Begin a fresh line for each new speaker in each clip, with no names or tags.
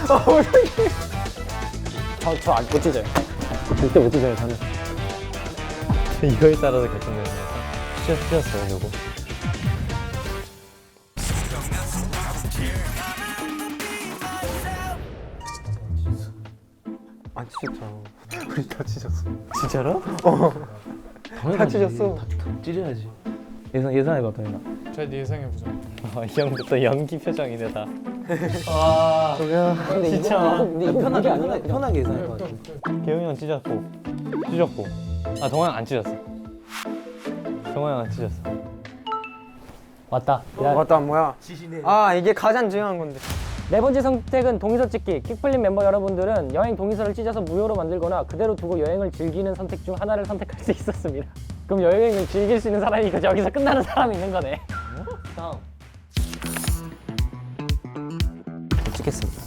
저안 못 찢어요. 절대 못 찢어요 저는. 이거에 따라서 결정되는 거야. 찢었어요 누구?
안 찢었잖아. 우리 다 찢었어.
진짜로?
다 찢었어.
찢어야지. 예상해봐 도현아.
잘 예상해보자.
이 형도 또 연기 표정이네 다.
근데
진짜.
근데 이거 편하게 아니라 편하게 예상할 것 같아.
개용이 형 찢었고. 아 동환 안 찢었어. 동환 형안 찢었어. 왔다.
맞다 뭐야? 아 이게 가장 중요한 건데.
네 번째 선택은 동의서 찍기. 킥플립 멤버 여러분들은 여행 동의서를 찢어서 무효로 만들거나 그대로 두고 여행을 즐기는 선택 중 하나를 선택할 수 있었습니다. 그럼 여행을 즐길 수 있는 사람이 여기서 끝나는 사람이 있는 거네. 다음.
찍겠습니다.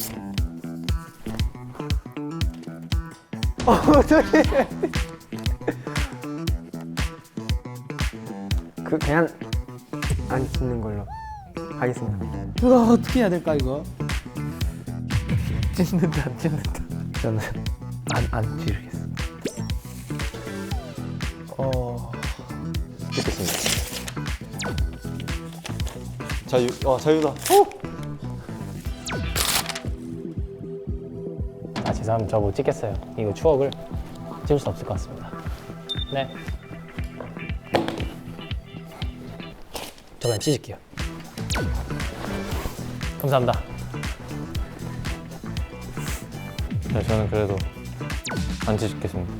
그냥 안 찍는 걸로 하겠습니다.
이거 어떻게 해야 될까 이거?
찢는다 안 찢는다. 저는 안 찢겠어.
찍겠습니다.
자유다.
아 죄송합니다. 저 못 찍겠어요. 이거 추억을 찍을 수 없을 것 같습니다. 네. 저 그냥 찢을게요. 감사합니다.
네, 저는 그래도 안 찢겠습니다.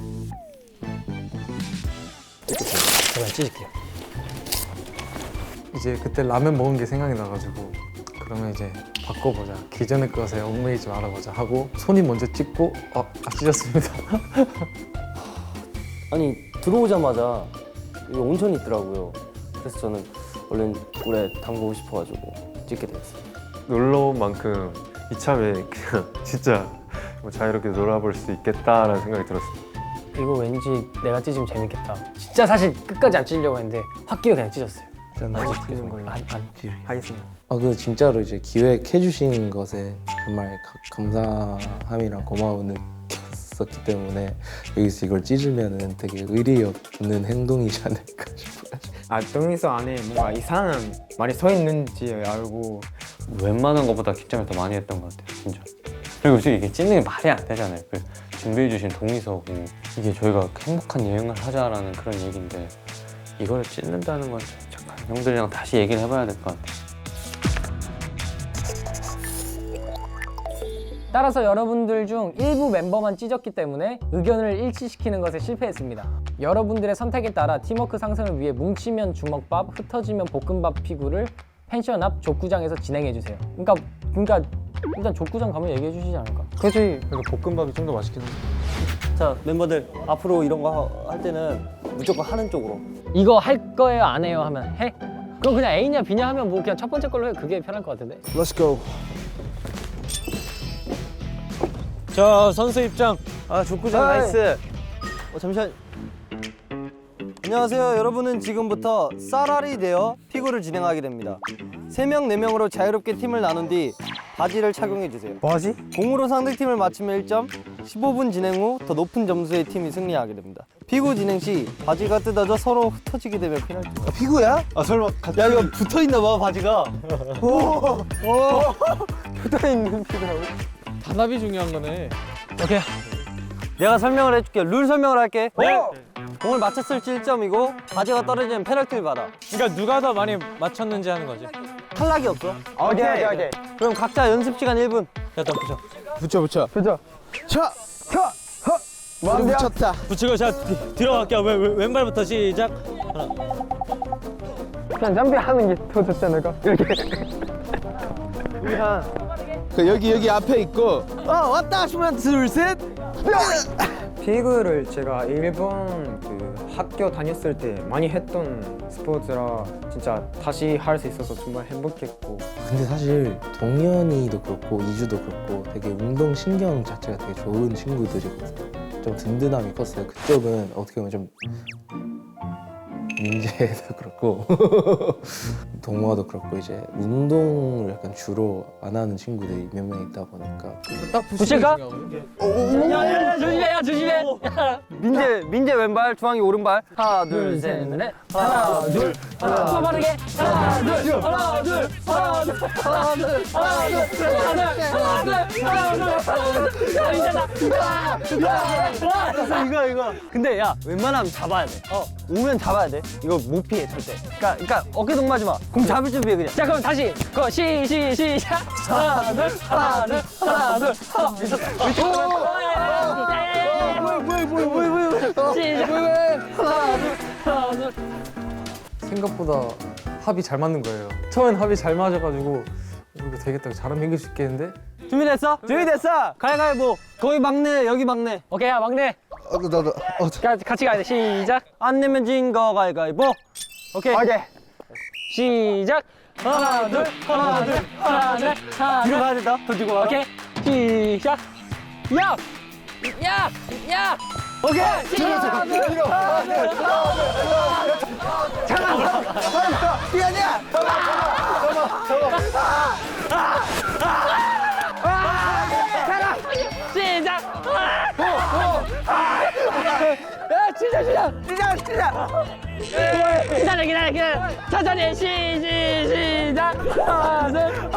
저 그냥 찢을게요.
이제 그때 라면 먹은 게 생각이 나가지고 그러면 이제 바꿔보자. 기존의 것에 얽매이지 말아보자 하고 손이 먼저 찍고 찢었습니다.
아니 들어오자마자 여기 온천이 있더라고요. 그래서 저는 얼른 오래 담그고 싶어가지고 찍게 되었습니다.
놀러 온 만큼 이참에 그냥 진짜 뭐 자유롭게 놀아볼 수 있겠다라는 생각이 들었어요.
이거 왠지 내가 찢으면 재밌겠다. 진짜 사실 끝까지 안 찢으려고 했는데 확 끼어 그냥 찢었어요.
저는 안
찍는 걸로 하겠습니다.
그 진짜로 이제 기획해 주신 것에 정말 감사함이랑 고마움을 느꼈었기 때문에 여기서 이걸 찢으면은 되게 의리 없는 행동이지 않을까 싶어요.
동의서 안에 뭔가 이상한 말이 써 있는지 알고
웬만한 것보다 긴장을 더 많이 했던 것 같아요, 진짜. 그리고 솔직히 이게 찢는 게 말이 안 되잖아요. 그 준비해주신 동의서고 이게 저희가 행복한 여행을 하자라는 그런 얘기인데 이걸 찢는다는 건 잠깐 형들이랑 다시 얘기를 해봐야 될 것 같아요.
따라서 여러분들 중 일부 멤버만 찢었기 때문에 의견을 일치시키는 것에 실패했습니다. 여러분들의 선택에 따라 팀워크 상승을 위해 뭉치면 주먹밥, 흩어지면 볶음밥 피구를 펜션 앞 족구장에서 진행해주세요. 그러니까 일단 족구장 가면 얘기해 주시지 않을까?
그렇지. 그래서 볶음밥이 좀 더 맛있긴 한데.
자 멤버들 앞으로 이런 거 할 때는 무조건 하는 쪽으로.
이거 할 거예요 안 해요 하면 해? 그럼 그냥 A냐 B냐 하면 뭐 그냥 첫 번째 걸로 해. 그게 편할 것 같은데?
Let's go.
자, 선수 입장.
족구장 나이스.
잠시만. 안녕하세요. 여러분은 지금부터 쌀알이 되어 피구를 진행하게 됩니다. 3명, 4명으로 자유롭게 팀을 나눈 뒤 바지를 착용해주세요.
뭐하지?
공으로 상대팀을 맞추면 1점, 15분 진행 후 더 높은 점수의 팀이 승리하게 됩니다. 피구 진행 시 바지가 뜯어져 서로 흩어지게 되면 페널티.
피구야?
야 이거 붙어있나 봐 바지가.
붙어있는 피더라고.
단합이 중요한 거네.
오케이.
내가 설명을 해줄게. 룰 설명을 할게. 공을 맞췄을지 1점이고 바지가 떨어지면 페널티를 받아.
그러니까 누가 더 많이 맞췄는지 하는 거지.
탈락이 없어.
오케이.
그럼 각자 연습 시간 1분.
자, 또 붙여.
붙여. 차.
완벽.
붙였다.
붙이고 자 뒤로 갈게요. 왼발부터 시작.
그냥 점핑하는 게 더 좋지 않을까? 이렇게.
그 여기 앞에 있고. 왔다 하시면 둘 셋.
피구를 제가 일본 그 학교 다녔을 때 많이 했던 스포츠라 진짜 다시 할 수 있어서 정말 행복했고.
근데 사실 동현이도 그렇고 이주도 그렇고 되게 운동 신경 자체가 되게 좋은 친구들이거든요. 좀 든든함이 컸어요. 그쪽은 어떻게 보면 좀 민재도 그렇고 동호화도 그렇고 이제 운동을 약간 주로 안 하는 친구들이 몇 명 있다 보니까
붙일까? 야야야 조심해 야 조심해.
민재 왼발, 주황이 오른발. 하나, 둘, 셋, 넷. 하나, 둘,
더 빠르게. 하나 둘 하나 둘 하나 둘 하나 둘 하나 둘 하나 둘 야 이제다.
이거. 근데 야, 웬만하면 잡아야 돼. 오면 잡아야 돼. 이거 못 피해, 절대. 그러니까 어깨 동무하지 마. 공 잡을 준비해, 그냥.
자 그럼 다시 그거 시작. 하나 둘 하나 둘 하나 둘 하나.
생각보다 합이 잘 맞는 거예요. 처음엔 합이 잘 맞아가지고 이거 되겠다. 잘하면 이길 수 있겠는데?
준비됐어? 준비됐어! 가위바위보. 거기 막내, 여기 막내.
오케이 야 막내. 같이 가야 돼. 시작.
안 내면 진 거 가위바위보. 오케이.
시작. 하나 둘 하나 둘 하나 둘 하나
뒤로
둘.
가야 된다. 더 뒤로 가.
오케이 시작. 야.
오케이.
시작. 시작. 야 시작. 기다려. 천천히 시작. 하나 둘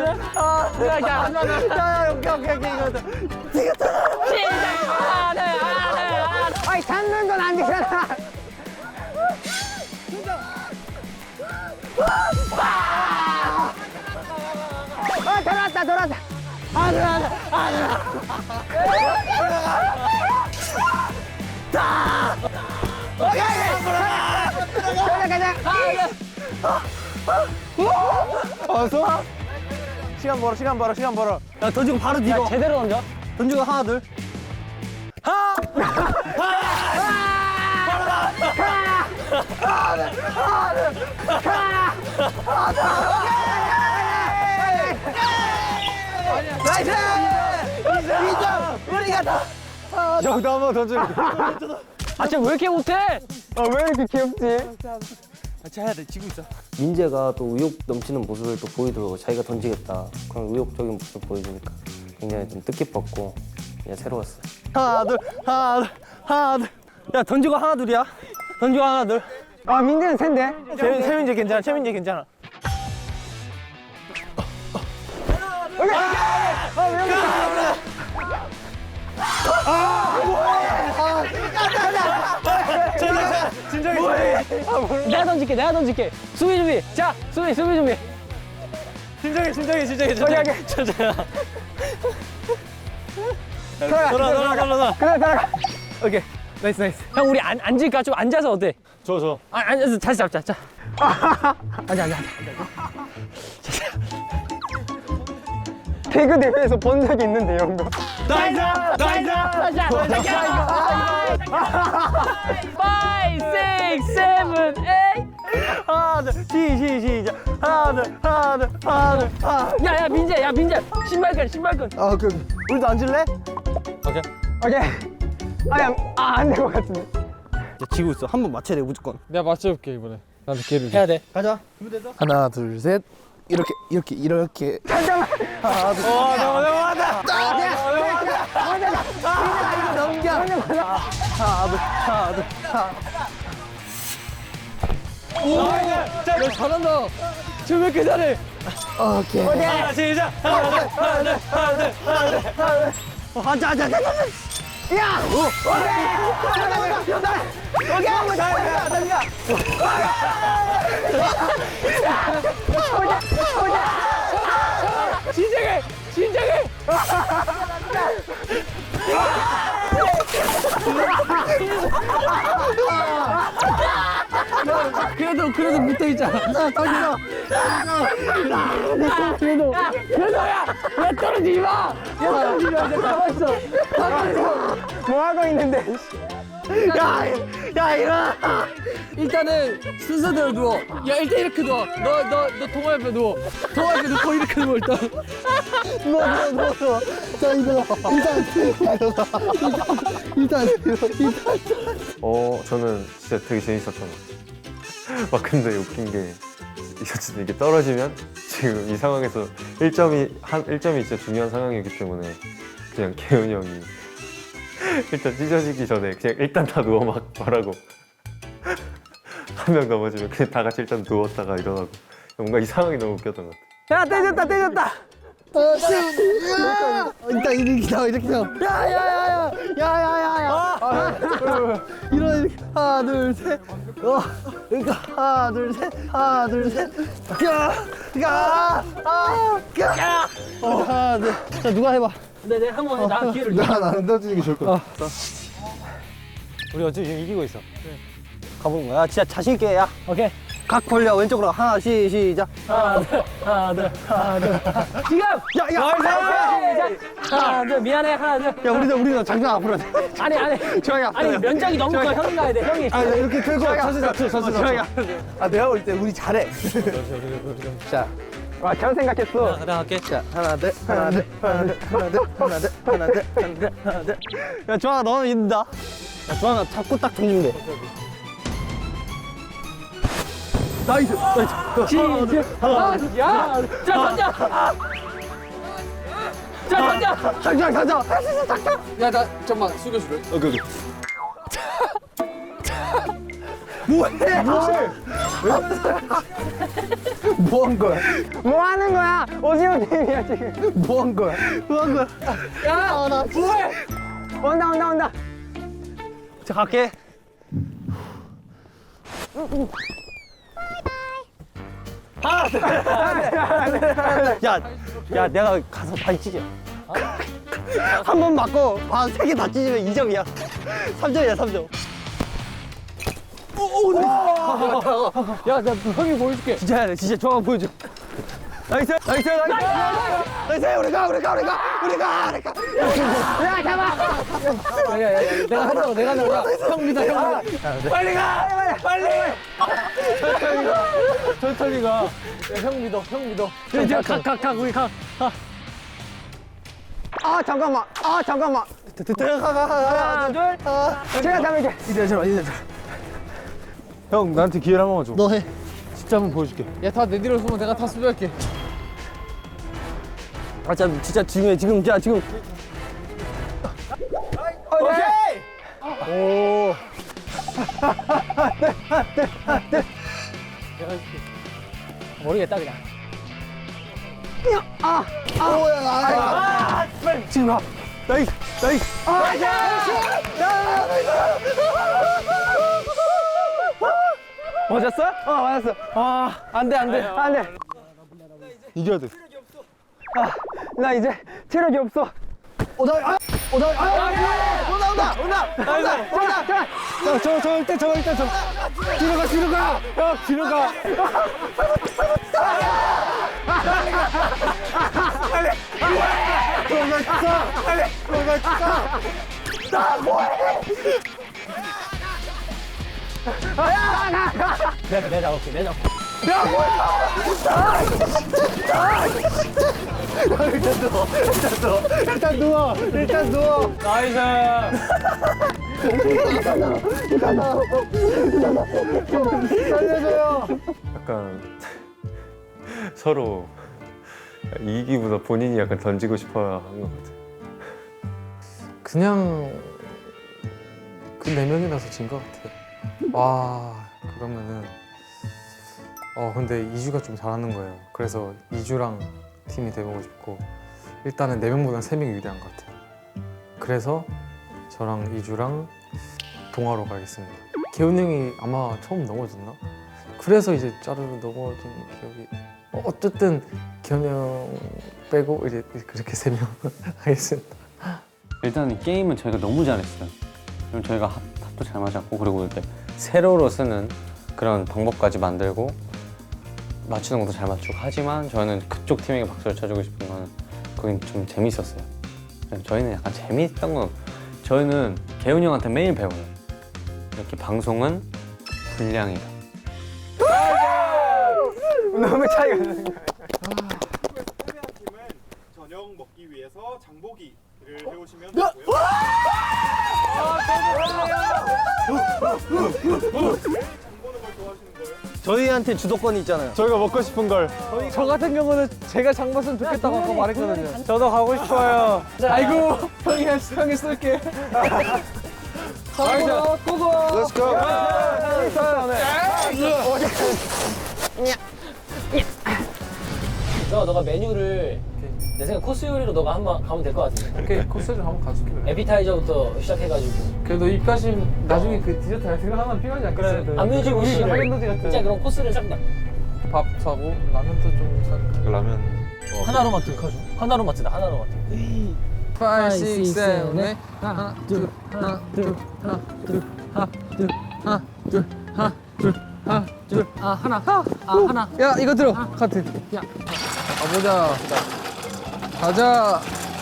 오케이. 이거.
시작. 아이 잡는 건 안 되잖아. 돌아왔다.
시간 벌어. 야, 던지고 바로 뒤로.
제대로 던져.
던지고 하나, 둘. 여기도 한번 던져.
아, 쟤 왜 이렇게 못해?
왜 이렇게 귀엽지? 같이 해야 돼. 지고 있어. 민재가 또 의욕 넘치는 모습을 또 보이더라고. 자기가 던지겠다. 그런 의욕적인 모습을 보여주니까 굉장히 좀 뜻깊었고 그냥 새로웠어요. 하나, 둘. 야, 던지고 하나, 둘이야. 던지고 하나, 둘.
아, 민재는 샌데?
최민재 괜찮아.
내가 던질게. 수비 준비. 자, 수비 준비.
진정해. 돌아.
그래. 오케이. 나이스. 형, 우리 앉을까? 좀 앉아서 어때?
줘.
앉아서 다시 잡자. 자. 앉아. 개그 대회에서 본 적이 있는데, 이런 거. 나이스. 5, 6, 7, 8.
하나, 둘. 시작. 하나, 둘.
야, 민재. 신발끈.
우리도 앉을래?
오케이. 안 될 것 같은데.
지고 있어. 한 번 맞춰야 돼, 무조건.
내가 맞춰볼게 이번에. 나한테 기회를 줘.
해야 돼.
가자.
하나 둘 셋 이렇게
잘한다. 쟤왜 이렇게 잘해?
시작.
진정해. 그래도 붙어 있잖아. 그래도 야 떨어지지 마. 가만 있어. 뭐 하고 있는데? 야 일어나. 일단은 순서대로 누워. 야 일단 이렇게 누워. 너 동호 옆에 누워. 동호 옆에 누워 이렇게 누워 일단. 누워. 자 일단.
저는 진짜 되게 재밌었던 것 같아요. 막 근데 웃긴 게 어쨌든 이게 떨어지면 지금 이 상황에서 1점이 진짜 중요한 상황이기 때문에 그냥 개훈이 형이 일단 찢어지기 전에 그냥 일단 다 누워 막 말하고 한 명 넘어지면 그냥 다 같이 일단 누웠다가 일어나고 뭔가 이 상황이 너무 웃겼던 것 같아.
야 때렸다 때렸다.
일단 이렇게 나와 이렇게 나와. 야야야야야야야야. 이렇게 하나 둘 셋. 그러니까 하나 둘 셋. 하나 둘 셋. 하나 둘. 자 누가 해봐.
네네 한번 나 기회를
나안 던지는 게 좋을 것 같아.
우리 어차피 지금 이기고 있어.
가보는 거야. 진짜 자신 있게 야.
오케이
각 벌려 왼쪽으로 하나 시작.
하나 둘 지금 야야 하나 둘 미안해 하나 둘
야 우리도 장난 앞으로 돼.
아니
저기 앞으로.
아니 면적이 너무 커 형이 가야 돼 형이
아 이렇게 들고 저기 아 내가 볼 때 우리 잘해. 자. 와, 잘 생각했어.
내가 할게.
자, 하나, 둘, 하나, 둘, 하나, 둘, 하나, 둘, 하나, 둘, 하나, 둘, 하나, 둘, 하나, 둘. 야, 조아가 너는 이긴다. 야, 조아가 잡고 딱 던지면 돼. 나이스, 나이스.
야! 자 던져! 자 던져!
장장, 장장. 할 수 있어, 장장.
야 나 잠깐만 숙여줄래?
오케이. 뭐해? 뭐 한 거야? 뭐 하는 거야? 오징어 게임이야 지금. 뭐 한 거야? 뭐 한 거야?
야! 나 뭐해?
온다. 자 갈게. 야, 내가 가서 바위 찢어. 한 번 맞고 바 3개 다 찢으면 2점이야. 3점이야, 3점.
야, 나 형이 보여줄게.
진짜 해야 돼, 진짜 좋아 보여줘. 나이스. 우리 가. 야, 잡아.
야, 내가 한다고. 형 믿어, 형 믿어.
빨리 가.
천천히 가. 야, 형 믿어. 이제 각, 우리 각.
아, 잠깐만. 들어가. 하나, 둘. 제가 잡을게. 이제 잠깐만.
형 나한테 기회를 한 번만 줘.
너 해.
진짜 한번 보여줄게.
야 다 내 뒤로 서면 내가 다 수비할게.
아, 진짜 중요해. 지금. 오케이.
모르겠다, 그냥.
지금 가. 나이스. 맞았어? 맞았어. 안 돼.
이겨야 돼.
나 이제 체력이 없어. 온다.
저 일단 뒤로 가. 형 뒤로 가.
내가 잡을게.
일단 누워.
나이스.
약간 서로 이기기보다 본인이 약간 던지고 싶어 한 것 같아.
그냥 그 4명이라서 진 것 같아. 와 그러면은 근데 이주가 좀 잘하는 거예요. 그래서 이주랑 팀이 돼보고 싶고 일단은 4명보다는 3명이 유리한 것 같아요. 그래서 저랑 이주랑 동화로 가겠습니다. 개훈 형이 아마 처음 넘어졌나? 그래서 이제 짜르르 넘어진 기억이 어쨌든 개훈 형 빼고 이제 그렇게 3명 하겠습니다.
일단 게임은 저희가 너무 잘했어요. 그럼 저희가 합도 잘 맞았고 그리고 이렇게 세로로 쓰는 그런 방법까지 만들고 맞추는 것도 잘 맞추고 하지만 저는 그쪽 팀에게 박수를 쳐주고 싶은 거는 거긴 좀 재밌었어요. 저희는 약간 재밌던 건 저희는 개훈이 형한테 매일 배워요. 이렇게 방송은 분량이다.
너무 차이가 나는 거야.
팀은 저녁 먹기 위해서 장보기를 해오시면 되고요. 왜 장 보는 걸 좋아하시는 거예요?
저희한테 주도권이 있잖아요.
저희가 먹고 싶은 걸.
저 같은 경우는 제가 장 봤으면 좋겠다고 아까 말했거든요.
저도 가고 싶어요.
아이고 형이 쏠게. 고고.
Let's go.
너가 메뉴를 내 생각 코스 요리로 너가 한번 가면 될 것 같은데.
오케이 코스를 한번 가줄게.
에피타이저부터 시작해가지고.
그래도 입가심 나중에 그 디저트 할 생각 하나 필요하지 않겠어요?
안면지
우리
우리
하겐다즈 같은
진짜 그런 코스를 싹 다.
밥 사고 라면도 좀 사고.
라면.
하나로마트 가죠. 하나로마트다 하나로마트.
5, 6, 7, 8 하나 둘 하나 둘 하나 둘 하나 둘 하나 둘 하나 둘 하나 둘
하나.
야 이거 들어 카트.
야.
가보자. 가자.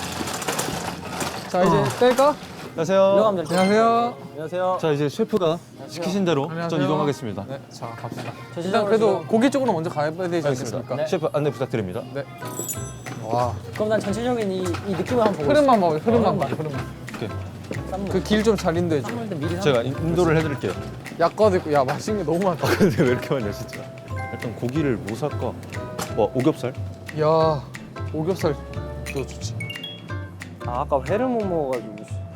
자 이제 뗄까?
안녕하세요.
들어가면 될
안녕하세요.
안녕하세요.
자 이제 셰프가 시키신 대로 전
안녕하세요.
이동하겠습니다.
네, 자 갑시다.
저
일단 그래도 고기 쪽으로 먼저 가야 되지
알겠습니다.
않겠습니까?
셰프 안내 부탁드립니다.
네. 와.
그럼 난 전체적인 이 느낌을 한번 보고
흐름만 봐요. 흐름만 봐.
흐름만.
오케이.
그 길 좀 잘 인도해 줘.
쌈물 때 미리
제가 인도를 해드릴게요.
약과도 있고 야 맛있는 게 너무 많다.
근데 왜 이렇게 많냐 진짜. 일단 고기를 뭐 살까? 뭐 오겹살?
야 오겹살도 좋지.
아까 회를 못 먹어가지고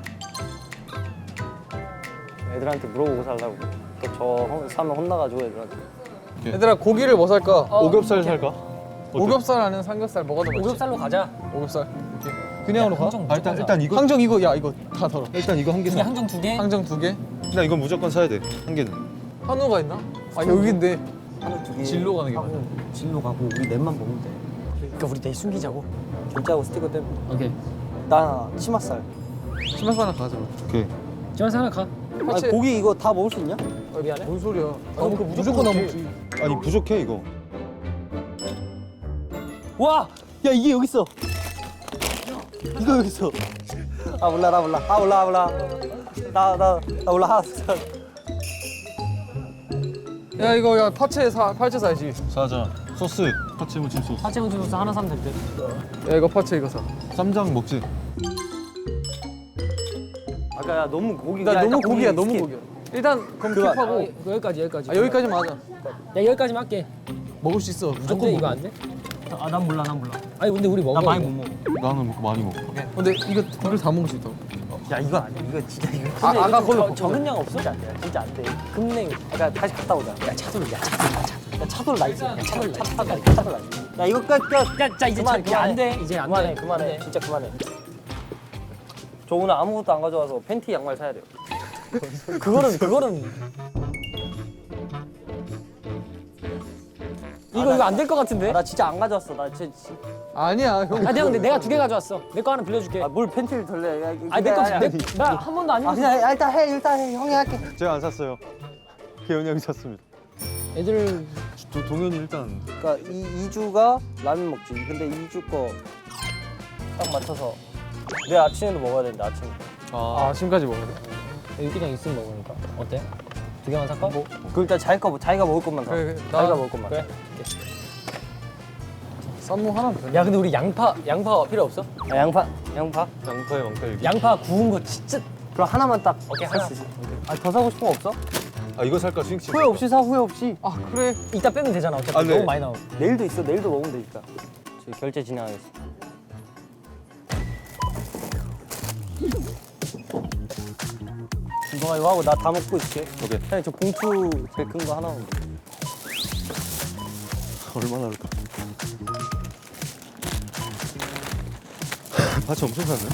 애들한테 물어보고 살라고. 또 저 사면 혼나가지고 애들한테.
얘들아 고기를 뭐 살까?
오겹살 살까?
오겹살 아니면 삼겹살 뭐가 더 맛있지?
오겹살로 가자.
오겹살. 오케이. 그냥으로 가?
항정
아, 일단 이거
항정 이거 야 이거 다 덜어.
일단 이거 한 개
이게
사.
항정 2개.
항정 2개.
나 이건 무조건 사야 돼. 한 개는.
한우가 있나? 아 여기인데
하나 두 개.
진로 가는 게 맞아.
진로 가고 우리 넷만 먹으면 돼.
그러니까 우리 내일 숨기자고.
결제하고 스티커 떼면.
오케이.
나 치맛살.
치맛 하나 가져.
오케이.
지원사 하나 가.
아니, 고기 이거 다 먹을 수 있냐?
미안해.
뭔 소리야?
그럼 그거
무조건 나 먹지.
아니 부족해 이거.
와! 야 이게 여기 있어. 이거 여기 있어. 아 몰라 나 몰라. 아 몰라. 나 몰라.
야 이거 야 파채 사야지.
사자. 소스. 파채 무침 소스.
파채 무침 소스 하나 사면 될 듯.
야 이거 파채 이거 사.
쌈장 먹지.
아까 야 너무 고기.
나
야,
너무
일단
고기야
고기
너무
스킵.
고기야. 일단 그럼
그거
킵하고.
여기까지.
아 여기까지만 하자.
야 여기까지만 할게.
먹을 수 있어.
안
무조건
돼,
먹어.
이거 안 돼? 아, 난 몰라. 아니, 근데 우리 먹어.
나 많이 못 먹어.
나는 먹고 많이 먹어.
근데 이거 다 먹을 수 있다고.
야 이거 아니야. 이거 진짜 이거.
아, 아까 걸로
적은 양 없어? 진짜 안 돼. 진짜 안 돼. 금냉. 아까 다시 갔다 오자. 야 차돌 나 있어. 야 차돌 나 있어. 야 이거 끝.
자, 이제
그만,
이제 안 돼. 이제 안 돼.
그만해. 진짜 그만해. 저 오늘 아무것도 안 가져와서 팬티 양말 사야 돼요. 그거는
이거 안 될 것 같은데?
나 진짜 안 가져왔어. 나 진짜.
아니야 형.
아, 내가 2개 가져왔어. 내 거 하나 빌려줄게.
뭘 팬티를 덜래? 야,
아니, 나 한 번도 안
아
입었어.
그냥 일단 해. 형이 할게.
제가 안 샀어요. 개훈이 형이 샀습니다.
애들
동현이 일단
그러니까 이주가 라면 먹지. 근데 이주 거 딱 맞춰서 내 아침에도 먹어야 되는데 아침.
아 아침까지 먹어야 돼.
유기랑 있으면 먹으니까. 어때? 2개만 살까?
그 일단 자기가 먹을 것만 사.
그래,
자기가 먹을 것만.
그래.
쌈무 하나면 되네.
야, 근데 우리 양파 필요 없어?
아, 양파.
양파에 왕딸기.
양파 구운 거 진짜.
그럼 하나만 딱.
오케이,
살
하나.
수 있어. 아더 사고 싶은 거 없어?
아 이거 살까 스윙칩?
후회 없이 사. 후회 없이.
아 그래.
이따 빼면 되잖아. 어차피
아, 네.
너무 많이 나오고.
내일도 있어. 내일도 먹으면 되니까. 저희 결제 진행하겠습니다. 너가 이거 하고 나 다 먹고 있을게.
오케이.
형님 저 봉투 제일 큰 거 하나만.
얼마나 할까? 파채 엄청 샀네.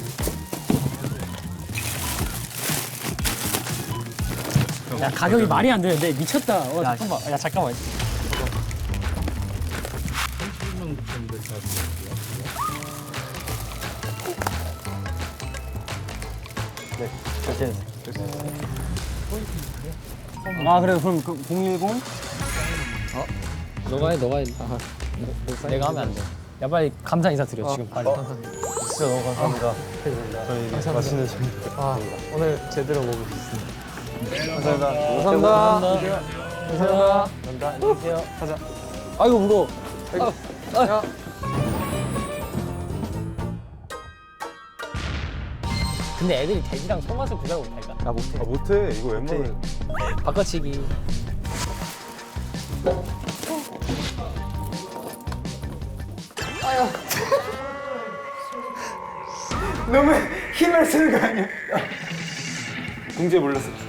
야, 가격이 말이 안 되는데 미쳤다. 잠깐만. 야, 잠깐만.
결제. 아 그래 그럼 그 010?
너가 해. 내가 하면 안 돼. 야, 빨리 감사 인사 드려, 지금 빨리.
진짜 너무 감사합니다.
저희 맛있는 저녁.
아 오늘 제대로 먹을 수 있습니다.
감사합니다.
감사합니다. 감사합니다.
안녕히 계세요.
아이고, 무거워.
야.
근데 애들이 돼지랑 손맛을 구별 못할까?
나 못해.
아 못해. 이거 웬만하면.
바꿔치기.
너무 힘을 쓰는 거 아니야? 공주에 몰랐어.